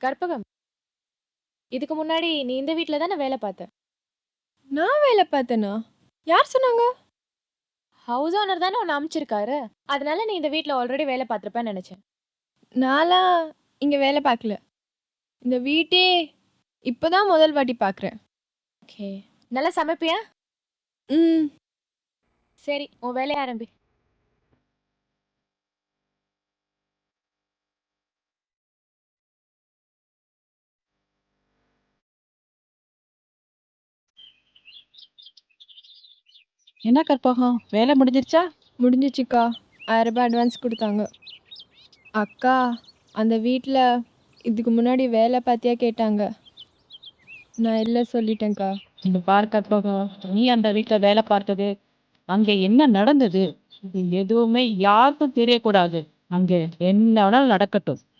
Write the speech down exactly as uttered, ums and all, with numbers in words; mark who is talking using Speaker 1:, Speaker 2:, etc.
Speaker 1: கற்பகம், இதுக்கு முன்னாடி நீ இந்த வீட்ல தானே வேலை பார்த்த?
Speaker 2: நான் வேலை பார்த்தேனா? யார் சொன்னாங்க?
Speaker 1: ஹவுஸ் ஓனர் தானே உன்னை அனுப்பிச்சிருக்காரு. அதனால நீ இந்த வீட்ல ஆல்ரெடி வேலை பார்த்துருப்பேன்னு நினைச்சேன்.
Speaker 2: நான்லாம் இங்கே வேலை பார்க்கல. இந்த வீட்டே இப்போதான் முதல் வாட்டி பார்க்குறேன்.
Speaker 1: ஓகே, நல்லா சமைப்பியா?
Speaker 2: ம்
Speaker 1: சரி, உன் வேலையை ஆரம்பி.
Speaker 3: என்ன கற்பகம், வேலை முடிஞ்சிருச்சா?
Speaker 2: முடிஞ்சிச்சுக்கா. ஆயிரம் ரூபாய் அட்வான்ஸ் கொடுத்தாங்க. அக்கா, அந்த வீட்டில் இதுக்கு முன்னாடி வேலை பார்த்தியா கேட்டாங்க. நான் இல்லை சொல்லிட்டேன்க்கா.
Speaker 3: இந்த பார் கற்பகம், நீ அந்த வீட்டுல வேலை பார்த்தது, அங்க என்ன நடந்தது, இது எதுவுமே யாருக்கும் தெரியக்கூடாது. அங்க என்ன வேணாலும் நடக்கட்டும்.